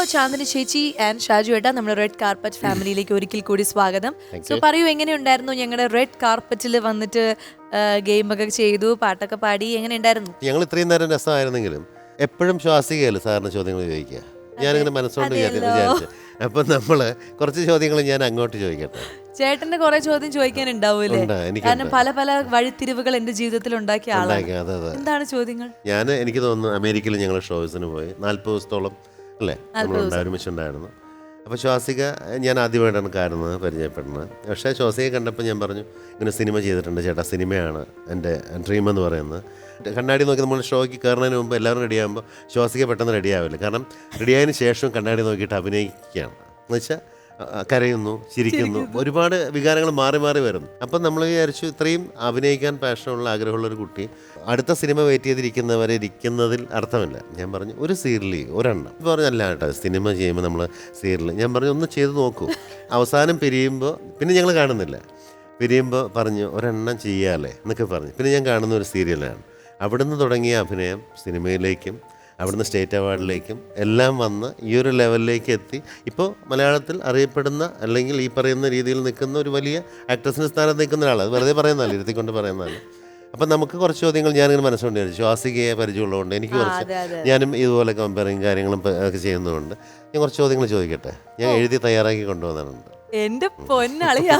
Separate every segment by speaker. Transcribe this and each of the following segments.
Speaker 1: ചാന്ദിനി ചേച്ചി ആൻഡ് ഷാജു ഏട്ടാ നമ്മുടെ റെഡ് കാർപ്പറ്റ് ഫാമിലിയിലേക്ക് ഒരിക്കൽ കൂടി സ്വാഗതം. സോ പറയൂ, എങ്ങനെയുണ്ടായിരുന്നു ഞങ്ങളുടെ റെഡ് കാർപ്പറ്റിൽ വന്നിട്ട് ഗെയിമൊക്കെ ചെയ്തു, പാട്ടൊക്കെ പാടി, എങ്ങനെ ഉണ്ടായിരുന്നു?
Speaker 2: ഞങ്ങൾ ഇത്രയും നേരം രസമായിരുന്നെങ്കിലും എപ്പോഴും ശ്വാസികയല്ല സാറിന് ചോദ്യങ്ങൾ ചോദിക്കുക. ഞാനിങ്ങനെ മനസ്സുകൊണ്ട് വിചാരിച്ചു. അപ്പം നമ്മള് കുറച്ച് ചോദ്യങ്ങൾ ഞാൻ അങ്ങോട്ട് ചോദിക്കട്ടെ.
Speaker 1: ചേട്ടന്റെ കുറെ ചോദ്യം ചോദിക്കാനുണ്ടാവൂലേ? കാരണം പല പല വഴിത്തിരിവുകൾ എന്റെ ജീവിതത്തിൽ ഉണ്ടാക്കിയ ആളാണ്. എന്താണ് ചോദ്യങ്ങൾ?
Speaker 2: എനിക്ക് തോന്നുന്നു അമേരിക്കയിൽ ഞങ്ങൾ ഷോസിന് പോയി 40 ദിവസത്തോളം അല്ലേ നമ്മൾ ഒരുമിച്ചുണ്ടായിരുന്നു. അപ്പോൾ ശ്വാസിക ഞാൻ ആദ്യമായിട്ടാണ് കാണുന്നത്, പരിചയപ്പെടുന്നത്. പക്ഷേ ശ്വാസികയെ കണ്ടപ്പോൾ ഞാൻ പറഞ്ഞു, ഇങ്ങനെ സിനിമ ചെയ്തിട്ടുണ്ട് ചേട്ടാ, സിനിമയാണ് എൻ്റെ ഡ്രീം എന്ന് പറയുന്നത്. കണ്ണാടി നോക്കി നമ്മൾ ഷോയ്ക്ക് കയറുന്നതിന് മുമ്പ് എല്ലാവരും റെഡിയാകുമ്പോൾ ശ്വാസിക പെട്ടെന്ന് റെഡിയാവില്ല. കാരണം റെഡിയായതിന് ശേഷം കണ്ണാടി നോക്കിയിട്ട് അഭിനയിക്കുകയാണ്. എന്നുവെച്ചാൽ കരയുന്നു, ചിരിക്കുന്നു, ഒരുപാട് വികാരങ്ങൾ മാറി മാറി വരുന്നു. അപ്പം നമ്മൾ വിചാരിച്ചു, ഇത്രയും അഭിനയിക്കാൻ പാഷനുള്ള ആഗ്രഹമുള്ളൊരു കുട്ടി അടുത്ത സിനിമ വെയിറ്റ് ചെയ്തിരിക്കുന്നവരെ ഇരിക്കുന്നതിൽ അർത്ഥമില്ല. ഞാൻ പറഞ്ഞു ഒരു സീരിയൽ ഒരെണ്ണം പറഞ്ഞല്ല കേട്ടോ, സിനിമ ചെയ്യുമ്പോൾ നമ്മൾ സീരിയൽ ഞാൻ പറഞ്ഞു ഒന്ന് ചെയ്ത് നോക്കൂ. അവസാനം പിരിയുമ്പോൾ പിന്നെ ഞങ്ങൾ കാണുന്നില്ല. പിരിയുമ്പോൾ പറഞ്ഞു ഒരെണ്ണം ചെയ്യാല്ലേ എന്നൊക്കെ പറഞ്ഞു. പിന്നെ ഞാൻ കാണുന്ന ഒരു സീരിയലാണ്. അവിടുന്ന് തുടങ്ങിയ അഭിനയം സിനിമയിലേക്കും അവിടുന്ന് സ്റ്റേറ്റ് അവാർഡിലേക്കും എല്ലാം വന്ന് ഈ ഒരു ലെവലിലേക്ക് എത്തി. ഇപ്പോൾ മലയാളത്തിൽ അറിയപ്പെടുന്ന അല്ലെങ്കിൽ ഈ പറയുന്ന രീതിയിൽ നിൽക്കുന്ന ഒരു വലിയ ആക്ട്രസിൻ്റെ സ്ഥാനത്ത് നിൽക്കുന്ന ഒരാൾ. അത് വെറുതെ പറയുന്നതല്ല, ഇരുത്തിക്കൊണ്ട് പറയുന്നതല്ല. അപ്പം നമുക്ക് കുറച്ച് ചോദ്യങ്ങൾ ഞാനിങ്ങനെ മനസ്സുകൊണ്ട് വിചാരിച്ചു. ശ്വാസികയെ പരിചയമുള്ളതുകൊണ്ട് എനിക്ക് കുറച്ച്, ഞാനും ഇതുപോലെ കമ്പയറിങ് കാര്യങ്ങളും ഒക്കെ ചെയ്യുന്നതുകൊണ്ട് ഞാൻ കുറച്ച് ചോദ്യങ്ങൾ ചോദിക്കട്ടെ. ഞാൻ എഴുതി തയ്യാറാക്കി കൊണ്ടുവന്നിട്ടുണ്ട്.
Speaker 1: എന്റെ പൊന്നളിയാ,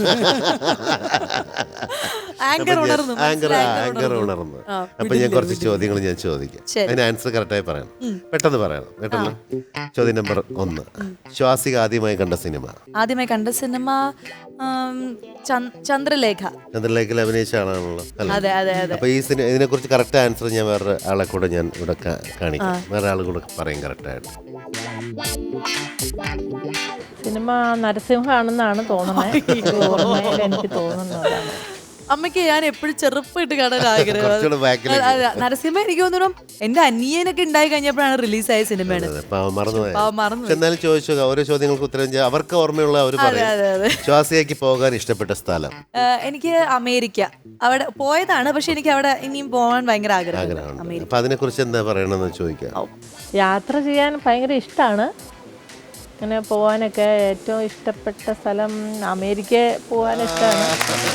Speaker 2: ആങ്കർ ഉണർന്നു. അപ്പൊ ഞാൻ കുറച്ച് ചോദ്യങ്ങൾ ഞാൻ ചോദിക്കാം. അതിന് ആൻസർ കറക്റ്റായി പറയണം, പെട്ടെന്ന് പറയണം. കേട്ടല്ലോ. ചോദ്യം നമ്പർ 1, ശ്വാസിക ആദ്യമായി കണ്ട സിനിമ?
Speaker 1: ആദ്യമായി കണ്ട സിനിമ ചന്ദ്രലേഖ.
Speaker 2: ചന്ദ്രലേഖയിൽ അഭിനയിച്ച ആളാണല്ലോ.
Speaker 1: അതെ അതെ അതെ.
Speaker 2: അപ്പൊ ഈ ഇതിനെ കുറിച്ച് കറക്റ്റ് ആൻസർ ഞാൻ വേറെ ആളെ കൂടെ ഞാൻ ഇവിടെ കാണിക്കാം. വേറെ ആൾ കൂടെ പറയും കറക്റ്റായിട്ട്.
Speaker 3: സിനിമ നരസിംഹമാണെന്നാണ് തോന്നുന്നത്, എനിക്ക് തോന്നുന്നതാണ്.
Speaker 1: അമ്മയ്ക്ക് ഞാൻ എപ്പോഴും ചെറുപ്പമായിട്ട് കാണാൻ ആഗ്രഹം. നരസിംഹ എനിക്ക് തോന്നുന്നു എന്റെ അനിയനൊക്കെ ഉണ്ടായി കഴിഞ്ഞപ്പോഴാണ് റിലീസായ സിനിമയാണ്.
Speaker 2: എന്നാലും ചോദിച്ചു, ഓരോ ചോദ്യങ്ങൾക്ക് ഉത്തരം ചെയ്യാൻ അവർക്ക് ഓർമ്മയുള്ള അവർ പറയും. ശ്വാസികയ്ക്ക് പോകാൻ ഇഷ്ടപ്പെട്ട സ്ഥലം?
Speaker 1: എനിക്ക് അമേരിക്ക. അവിടെ പോയതാണ്, പക്ഷെ എനിക്ക് അവിടെ ഇനിയും പോകാൻ ഭയങ്കര ആഗ്രഹമാണ്.
Speaker 2: അപ്പൊ അതിനെ കുറിച്ച് എന്താ പറയണമെന്ന് ചോദിക്കാം.
Speaker 3: യാത്ര ചെയ്യാൻ ഭയങ്കര ഇഷ്ടമാണ്. അങ്ങനെ പോകാനൊക്കെ ഏറ്റവും ഇഷ്ടപ്പെട്ട സ്ഥലം അമേരിക്ക പോകാൻ ഇഷ്ടമാണ്.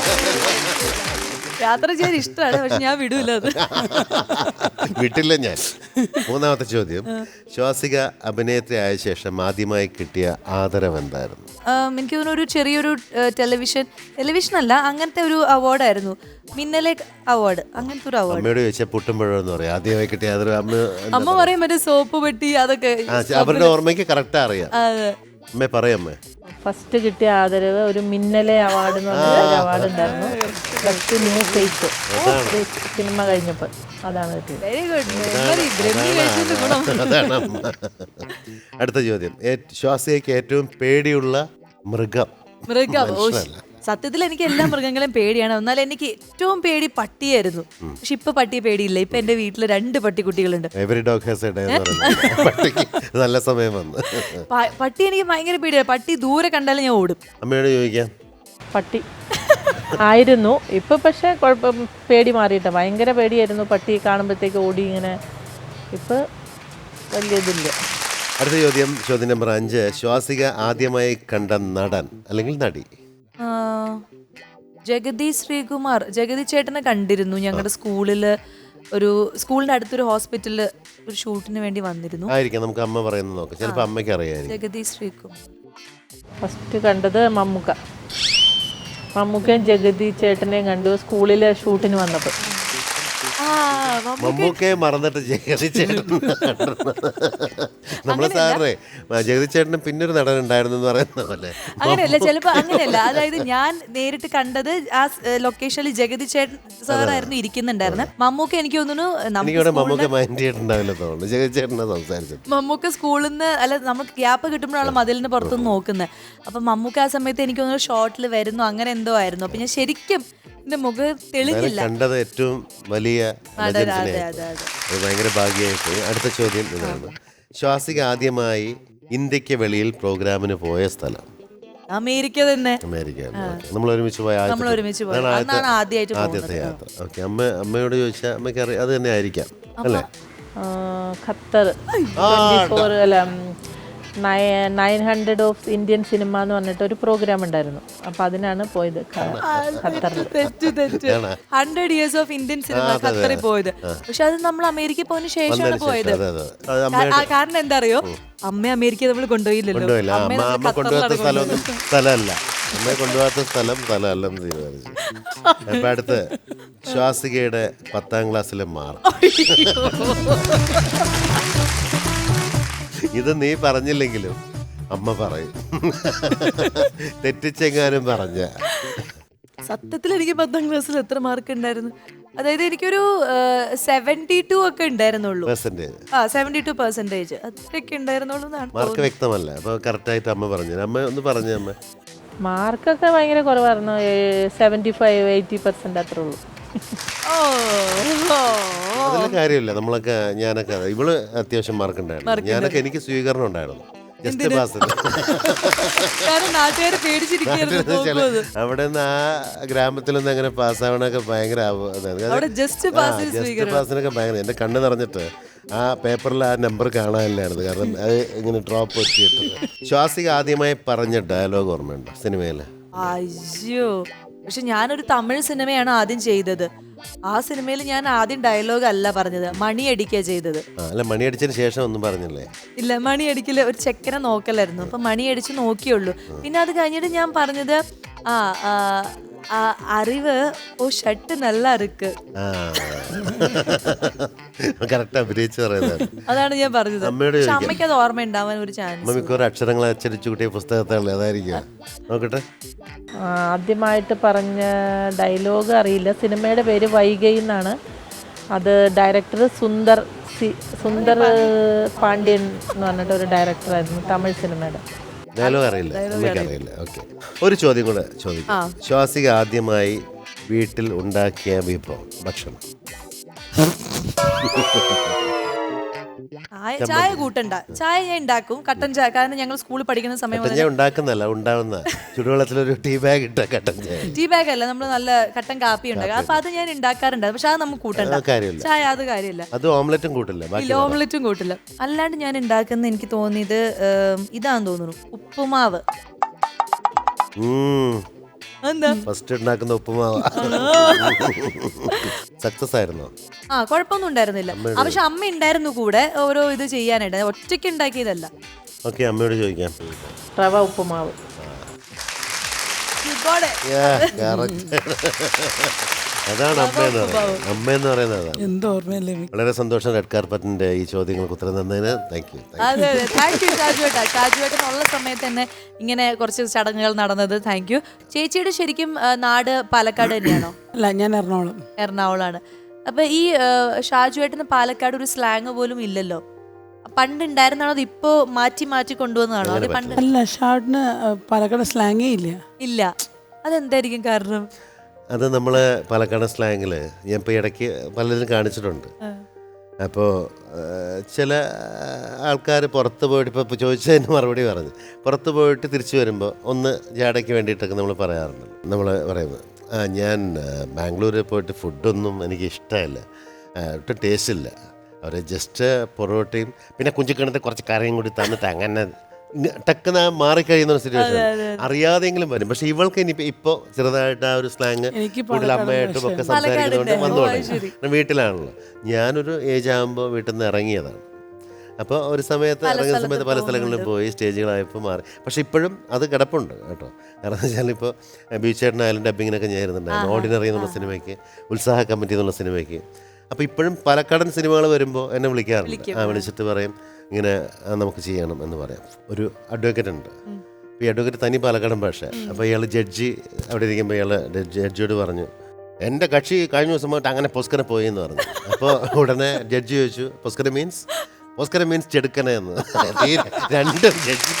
Speaker 1: യാത്ര ചെയ്യാൻ ഇഷ്ടമാണ്, പക്ഷെ ഞാൻ വിടൂല.
Speaker 2: വിട്ടില്ല ഞാൻ. 3ാമത്തെ ചോദ്യം, ശ്വാസിക അഭിനേത്രി ആയ ശേഷം ആദ്യമായി കിട്ടിയ ആദരവ് എന്തായിരുന്നു?
Speaker 1: എനിക്ക് തോന്നുന്നു ഒരു ചെറിയൊരു ടെലിവിഷൻ അല്ല, അങ്ങനത്തെ ഒരു അവാർഡായിരുന്നു, മിന്നലെ അവാർഡ്, അങ്ങനത്തെ ഒരു അവാർഡ്.
Speaker 2: അമ്മയോട് ചോദിച്ചാൽ പുട്ടുമ്പോഴെന്ന് പറയും ആദ്യമായി കിട്ടിയ ആദരവ്.
Speaker 1: അമ്മ പറയും മറ്റേ സോപ്പ് പെട്ടി, അതൊക്കെ
Speaker 2: അവരുടെ ഓർമ്മയ്ക്ക് കറക്റ്റ് അറിയാം. അമ്മേ പറയമ്മേ.
Speaker 3: ഫസ്റ്റ് കിട്ടിയ ആദരവ് ഒരു മിന്നലെ അവാർഡ് എന്ന് പറഞ്ഞ അവാർഡ് ഉണ്ടായിരുന്നു. ബെസ്റ്റ് ന്യൂ ഫേസ് സിനിമ കഴിഞ്ഞപ്പോൾ അതാണ് കിട്ടിയത്.
Speaker 1: Very good.
Speaker 2: അടുത്ത ചോദ്യം, ശ്വാസികയ്ക്ക് ഏറ്റവും പേടിയുള്ള മൃഗം?
Speaker 1: സത്യത്തിൽ എനിക്ക് എല്ലാ മൃഗങ്ങളെയും പേടിയാണ്. എന്നാൽ എനിക്ക് ഏറ്റവും പേടി പട്ടിയായിരുന്നു. പക്ഷെ ഇപ്പൊ പട്ടിയെ പേടിയില്ല. ഇപ്പൊ എന്റെ വീട്ടില് 2 പട്ടിക്കുട്ടികളുണ്ട്.
Speaker 2: നല്ല സമയം വന്നു.
Speaker 1: പട്ടി എനിക്ക് ഭയങ്കര പേടിയാണ്. പട്ടി ദൂരെ കണ്ടാലും ഞാൻ ഓടും.
Speaker 2: അമ്മയോട് ചോദിക്കാം.
Speaker 3: പട്ടി ആയിരുന്നു, ഇപ്പൊ പക്ഷെ കുഴപ്പം, പേടി മാറിയിട്ട. ഭയങ്കര പേടിയായിരുന്നു പട്ടി കാണുമ്പോഴത്തേക്ക് ഓടി ഇങ്ങനെ. ഇപ്പൊ വലിയ ഇതില്ല.
Speaker 2: അടുത്ത ചോദ്യം, ചോദ്യം നമ്പർ 5, ശ്വാസിക ആദ്യമായി കണ്ട നടൻ അല്ലെങ്കിൽ നടി?
Speaker 1: ജഗതി ശ്രീകുമാർ. ജഗതി ചേട്ടനെ കണ്ടിരുന്നു. ഞങ്ങളുടെ സ്കൂളിന്റെ അടുത്തൊരു ഹോസ്പിറ്റലില് ഒരു ഷൂട്ടിന് വേണ്ടി വന്നിരുന്നു.
Speaker 2: ആയിരിക്കാം, നമുക്ക് അമ്മ പറയുന്നത് നോക്കാം. ചിലപ്പോൾ അമ്മയ്ക്ക് അറിയാം.
Speaker 1: ജഗതി ശ്രീകുമാർ.
Speaker 3: ഫസ്റ്റ് കണ്ടത് മമ്മൂക്കയും ജഗതി ചേട്ടനെയും കണ്ടു സ്കൂളിലെ ഷൂട്ടിന് വന്നപ്പോൾ.
Speaker 2: മമ്മൂക്കയെ മറന്നിട്ട് ജഗതി ചേട്ടൻ. നമ്മളെ സാറേ ജഗതി ചേട്ടന് പിന്നൊരു നടൻ ഉണ്ടായിരുന്നു എന്ന് പറയുന്ന പോലെ.
Speaker 1: അങ്ങനെയല്ല, ചിലപ്പോ അങ്ങനെയല്ല. അതായത് ഞാൻ നേരിട്ട് കണ്ടത് ആ ലൊക്കേഷനിൽ ജഗതി ചേട്ടൻ സാറായിരുന്നു ഇരിക്കുന്നുണ്ടായിരുന്നത്. മമ്മൂക്ക എനിക്ക് തോന്നുന്നു മമ്മൂക്ക സ്കൂളിൽ നിന്ന് അല്ല, നമുക്ക് ഗ്യാപ്പ് കിട്ടുമ്പോഴാണ് മതിലിന് പുറത്തുനിന്ന് നോക്കുന്നത്. അപ്പൊ മമ്മൂക്ക ആ സമയത്ത് എനിക്ക് തോന്നുന്നു ഷോട്ടിൽ വരുന്നു, അങ്ങനെ എന്തോ ആയിരുന്നു. അപ്പൊ ഞാൻ ശരിക്കും എന്റെ മുഖം തെളിഞ്ഞില്ല.
Speaker 2: കണ്ടത് ഏറ്റവും വലിയ ഭയങ്കര ഭാഗ്യമായി പോയി. അടുത്ത ചോദ്യം ഇതാണ്, ശ്വാസിക ആദ്യമായി ഇന്ത്യക്ക് വെളിയിൽ പ്രോഗ്രാമിന് പോയ സ്ഥലം?
Speaker 1: അമേരിക്ക തന്നെ.
Speaker 2: അമേരിക്ക. നമ്മൾ ഒരുമിച്ച് പോയ ആദ്യത്തെ യാത്ര. ഓക്കെ. അമ്മയോട് ചോദിച്ചാൽ അമ്മയ്ക്ക് അറിയാം, അത് തന്നെ ആയിരിക്കാം അല്ലേ?
Speaker 3: ഖത്തർ 900 ഓഫ് ഇന്ത്യൻ സിനിമ എന്ന് പറഞ്ഞിട്ട് ഒരു പ്രോഗ്രാം ഉണ്ടായിരുന്നു. അപ്പോൾ അതിനാണ് പോയത് ഖത്തറിൽ.
Speaker 1: തെറ്റ് 100 years ഓഫ് ഇന്ത്യൻ സിനിമ ഖത്തറിൽ പോയത്. പക്ഷെ അത് നമ്മൾ അമേരിക്ക പോയതിനു ശേഷമാണ് പോയത്. കാരണം എന്താ അറിയോ, അമ്മ അമേരിക്ക നമ്മൾ കൊണ്ടുപോയില്ലല്ലോ.
Speaker 2: അമ്മ കൊണ്ടുപോകാത്ത സ്ഥലമല്ല, അമ്മയെ കൊണ്ടുപോകാത്ത സ്ഥലമല്ലെന്ന് തീരുമാനിച്ചു. അപ്പൊ അടുത്ത് ശ്വാസികയുടെ 10ാം ക്ലാസ്സിലെ മാർക്ക്. ഇത് നീ പറഞ്ഞില്ലെങ്കിലും അമ്മ പറയും, തെറ്റിച്ചെങ്ങാനും പറഞ്ഞ.
Speaker 1: സത്യത്തിൽ എനിക്ക് 10ാം ക്ലാസ്സിൽ എത്ര മാർക്ക് ഉണ്ടായിരുന്നു? അതായത് എനിക്കൊരു 72 ഒക്കെ ഉണ്ടായിരുന്നുള്ളൂ. 72% അത്രയൊക്കെ ഉണ്ടായിരുന്നുള്ളൂ.
Speaker 2: മാർക്ക് വ്യക്തമല്ല. അപ്പൊ കറക്റ്റ് ആയിട്ട് അമ്മ പറഞ്ഞു. അമ്മ ഒന്ന് പറഞ്ഞു. അമ്മ
Speaker 3: മാർക്കൊക്കെ ഭയങ്കര കുറവായിരുന്നു. 75-80% അത്രേ ഉള്ളൂ.
Speaker 2: അതിലെ കാര്യമില്ല. നമ്മളൊക്കെ ഞാനൊക്കെ ഇവള് അത്യാവശ്യം മാർക്ക് ഉണ്ടായിരുന്നു. ഞാനൊക്കെ എനിക്ക് സ്വീകരണം ഉണ്ടായിരുന്നു. Just pass. അവിടെ നിന്ന് ആ ഗ്രാമത്തിൽ നിന്ന് അങ്ങനെ പാസ്സാവണൊക്കെ ഭയങ്കര ജസ്റ്റ് പാസിനൊക്കെ ഭയങ്കര. എന്റെ കണ്ണ് നിറഞ്ഞിട്ട് ആ പേപ്പറിൽ ആ നമ്പർ കാണാനില്ലായിരുന്നു. കാരണം അത് ഇങ്ങനെ ഡ്രോപ്പ് പറ്റിയിട്ട്. ശ്വാസിക ആദ്യമായി പറഞ്ഞ ഡയലോഗ് ഓർമ്മയുണ്ടോ സിനിമയില്?
Speaker 1: അയ്യോ, പക്ഷെ ഞാനൊരു തമിഴ് സിനിമയാണ് ആദ്യം ചെയ്തത്. ആ സിനിമയിൽ ഞാൻ ആദ്യം ഡയലോഗ് അല്ല പറഞ്ഞത്, മണിയടിക്കുക ചെയ്തത്.
Speaker 2: അല്ല, മണിയടിച്ചതിന് ശേഷം ഒന്നും പറഞ്ഞില്ലേ?
Speaker 1: ഇല്ല, മണിയടിക്കല് ഒരു ചെക്കനെ നോക്കലായിരുന്നു. അപ്പൊ മണിയടിച്ച് നോക്കിയുള്ളൂ. പിന്നെ അത് കഴിഞ്ഞിട്ട് ഞാൻ പറഞ്ഞത് അറിവ് ഓ ഷർട്ട് നല്ല അറുക്ക്. അതാണ് ഞാൻ പറഞ്ഞത്. അമ്മയ്ക്ക് അത് ഓർമ്മ ഉണ്ടാവാൻ ഒരു ചാൻസ്.
Speaker 2: അക്ഷരങ്ങൾ അച്ചടിച്ചു കൂട്ടിയ പുസ്തകത്താണല്ലേ, അതായിരിക്കും. നോക്കട്ടെ.
Speaker 3: ആദ്യമായിട്ട് പറഞ്ഞ ഡയലോഗ് അറിയില്ല. സിനിമയുടെ പേര് വൈഗൈ എന്നാണ്. അത് ഡയറക്ടർ സുന്ദർ പാണ്ഡ്യൻ എന്ന് പറഞ്ഞിട്ട് ഒരു ഡയറക്ടറായിരുന്നു, തമിഴ് സിനിമയുടെ.
Speaker 2: ഡയലോഗ് അറിയില്ല. ഓക്കെ, ഒരു ചോദ്യം കൂടെ ചോദിക്കാം. ശ്വാസിക ആദ്യമായി വീട്ടിൽ ഉണ്ടാക്കിയ വിഭവം ഭക്ഷണം?
Speaker 1: ചായ കൂട്ടണ്ട. ചായ ഞാൻ ഉണ്ടാക്കും, കട്ടൻ ചായ. കാരണം ഞങ്ങൾ സ്കൂളിൽ പഠിക്കുന്ന സമയം
Speaker 2: ഉണ്ടാക്കുന്നല്ല, ഉണ്ടാവുന്ന ചുടുവെള്ളത്തിലൊരു ടീ ബാഗ് ഇട്ട കട്ടൻ ചായ.
Speaker 1: ടീ ബാഗ് അല്ല, നമ്മൾ നല്ല കട്ടൻ കാപ്പി ഉണ്ടാക്കും. അപ്പൊ അത് ഞാൻ ഉണ്ടാക്കാറുണ്ട്. പക്ഷെ അത് നമുക്ക് കൂട്ടണ്ട ചായ, അത് കാര്യമില്ല.
Speaker 2: അത് ഓംലെറ്റും കൂട്ടില്ല.
Speaker 1: ഓംലെറ്റും കൂട്ടില്ല. അല്ലാണ്ട് ഞാൻ ഉണ്ടാക്കുന്ന എനിക്ക് തോന്നിയത് ഇതാന്ന് തോന്നുന്നു, ഉപ്പുമാവ്.
Speaker 2: ഫസ്റ്റ് ഉണ്ടാക്കുന്ന ഉപ്പുമാവ് സക്സസ് ആയിരുന്നോ?
Speaker 1: കുഴപ്പമൊന്നും ഉണ്ടായിരുന്നില്ല. പക്ഷെ അമ്മ ഉണ്ടായിരുന്നു കൂടെ ഓരോ ഇത് ചെയ്യാനായിട്ട്, ഒറ്റയ്ക്ക് ഉണ്ടാക്കിയതല്ല.
Speaker 2: ഓക്കെ, അമ്മയോട് ചോദിക്കാം.
Speaker 3: റവ ഉപ്പുമാവ്.
Speaker 2: അതാണ് അമ്മയെന്ന് പറയുന്നത്. വളരെ സന്തോഷം റെഡ് കാർപ്പറ്റിന്റെ ഈ ചോദ്യങ്ങൾക്ക് ഉത്തരം തന്നതിന്. താങ്ക് യു
Speaker 1: ഷാജുവേട്ടനുള്ള സമയത്ത് തന്നെ ഇങ്ങനെ കുറച്ച് ചടങ്ങുകൾ നടന്നത്. Thank you. ചേച്ചിയുടെ ശരിക്കും നാട് പാലക്കാട് തന്നെയാണോ?
Speaker 4: അല്ല, ഞാൻ
Speaker 1: എറണാകുളമാണ്. അപ്പൊ ഈ ഷാജുവേട്ടന് പാലക്കാട് ഒരു സ്ലാങ് പോലും ഇല്ലല്ലോ. പണ്ട് ഉണ്ടായിരുന്നാണോ അത് ഇപ്പോ മാറ്റി മാറ്റി കൊണ്ടുവന്നതാണോ? അത് പണ്ട്
Speaker 4: അല്ല, ഷാർട്ടിന് പാലക്കാട് സ്ലാങ്ങേ ഇല്ല.
Speaker 1: അതെന്തായിരിക്കും കാരണം?
Speaker 2: അത് നമ്മൾ പാലക്കാട് സ്ലാങ്ങിൽ ഞാൻ ഇപ്പോൾ ഇടയ്ക്ക് പലതിനും കാണിച്ചിട്ടുണ്ട്. അപ്പോൾ ചില ആൾക്കാർ പുറത്ത് പോയിട്ട് ഇപ്പോൾ ചോദിച്ചതിന് മറുപടി പറഞ്ഞു. പുറത്ത് പോയിട്ട് തിരിച്ചു വരുമ്പോൾ ഒന്ന് ജാടയ്ക്ക് വേണ്ടിയിട്ടൊക്കെ നമ്മൾ പറയാറുണ്ട്. നമ്മൾ പറയുന്നത് ഞാൻ ബാംഗ്ലൂരിൽ പോയിട്ട് ഫുഡൊന്നും എനിക്ക് ഇഷ്ടമല്ല, ഒട്ടും ടേസ്റ്റ് ഇല്ല. അവർ ജസ്റ്റ് പൊറോട്ടയും പിന്നെ കുഞ്ചിക്കണത്തെ കുറച്ച് കറിയും കൂടി തന്നിട്ട് അങ്ങനെ ടക്കുന്ന മാറിക്കഴിയുന്ന ഒരു സിറ്റുവേഷൻ അറിയാതെങ്കിലും വരും. പക്ഷെ ഇവൾക്ക് ഇനി ഇപ്പോൾ ചെറുതായിട്ട് ആ ഒരു സ്ലാങ് കൂടുതൽ അമ്മയായിട്ടും ഒക്കെ സംസാരിക്കുന്നതുകൊണ്ട് വന്നു തുടങ്ങി. വീട്ടിലാണല്ലോ. ഞാനൊരു ഏജ് ആകുമ്പോൾ വീട്ടിൽ നിന്ന് ഇറങ്ങിയതാണ്. അപ്പോൾ ഒരു സമയത്ത് ഇറങ്ങുന്ന സമയത്ത് പല സ്ഥലങ്ങളിലും പോയി സ്റ്റേജുകളായപ്പോൾ മാറി. പക്ഷെ ഇപ്പോഴും അത് കിടപ്പുണ്ട് കേട്ടോ. കാരണം എന്ന് വെച്ചാൽ ഇപ്പോൾ ബീച്ചേട്ടനായാലും ഡബ്ബിങ്ങിനൊക്കെ ഞാൻ ഇരുന്നുണ്ടായിരുന്നു. ഓർഡിനറി എന്നുള്ള സിനിമയ്ക്ക്, ഉത്സാഹ കമ്മിറ്റി എന്നുള്ള സിനിമയ്ക്ക്. അപ്പോൾ ഇപ്പോഴും പാലക്കാടൻ സിനിമകൾ വരുമ്പോൾ എന്നെ വിളിക്കാറുണ്ട്. വിളിച്ചിട്ട് പറയും ഇങ്ങനെ നമുക്ക് ചെയ്യണം എന്ന് പറയാം. ഒരു അഡ്വക്കേറ്റ് ഉണ്ട്. ഈ അഡ്വക്കേറ്റ് തനി പാലക്കാടൻ ഭാഷ. അപ്പോൾ ഇയാൾ ജഡ്ജി അവിടെ ഇരിക്കുമ്പോൾ ഇയാൾ ജഡ്ജിയോട് പറഞ്ഞു, എൻ്റെ കക്ഷി കഴിഞ്ഞ ദിവസം പോയിട്ട് അങ്ങനെ പൊസ്കര പോയി എന്ന് പറഞ്ഞു. അപ്പോൾ ഉടനെ ജഡ്ജി ചോദിച്ചു, പൊസ്കര മീൻസ് ചെടുക്കണേ എന്ന്. രണ്ടും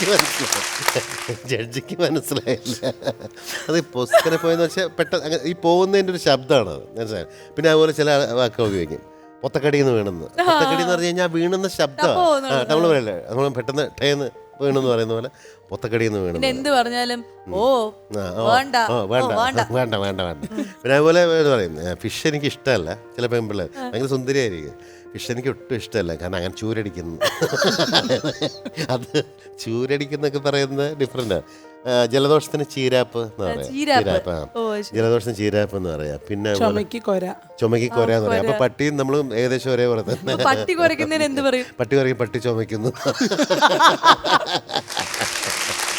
Speaker 2: ജഡ്ജിക്ക് മനസ്സിലായില്ല. അത് പൊസ്കര പോയെന്ന് വെച്ചാൽ പെട്ടെന്ന് ഈ പോകുന്നതിൻ്റെ ഒരു ശബ്ദമാണ് അത്, മനസ്സിലായി. പിന്നെ അതുപോലെ ചില വാക്കുകൾ ഉപയോഗിക്കും, പൊത്തക്കടിന്ന് വീണെന്ന്. പൊത്തക്കടി എന്ന് പറഞ്ഞു കഴിഞ്ഞാൽ വീണുന്ന ശബ്ദമാണ്. നമ്മൾ പറയല്ലേ, നമ്മൾ പെട്ടെന്ന് ടേന്ന് വീണെന്ന് പറയുന്ന പോലെ പൊത്തക്കടിന്ന് വീണു.
Speaker 1: എന്ത് പറഞ്ഞാലും
Speaker 2: വേണ്ട. പിന്നെ അതുപോലെ പറയും ഫിഷ് എനിക്ക് ഇഷ്ടമല്ല. ചില പെൺപിള്ളേർ ഭയങ്കര സുന്ദരിയായിരിക്കും. ഫിഷ് എനിക്ക് ഒട്ടും ഇഷ്ടമല്ല, കാരണം അങ്ങനെ ചൂരടിക്കുന്നു. അത് ചൂരടിക്കുന്നൊക്കെ പറയുന്നത് ഡിഫറെൻ്റാണ്. ജലദോഷത്തിന് ചീരാപ്പ് എന്ന് പറയാം. ചീരാപ്പ്, ജലദോഷത്തിന് ചീരാപ്പ് എന്ന് പറയാം. പിന്നെ
Speaker 4: ചുമക്ക് കൊര
Speaker 2: എന്ന് പറയാം. അപ്പൊ പട്ടിയും നമ്മളും ഏകദേശം ഒരേപോലെ തന്നെ.
Speaker 1: പട്ടി കുറയ്ക്കുന്നതിന് എന്ത് പറയും?
Speaker 2: പട്ടി കുറയ്ക്കും, പട്ടി ചുമയ്ക്കുന്നു.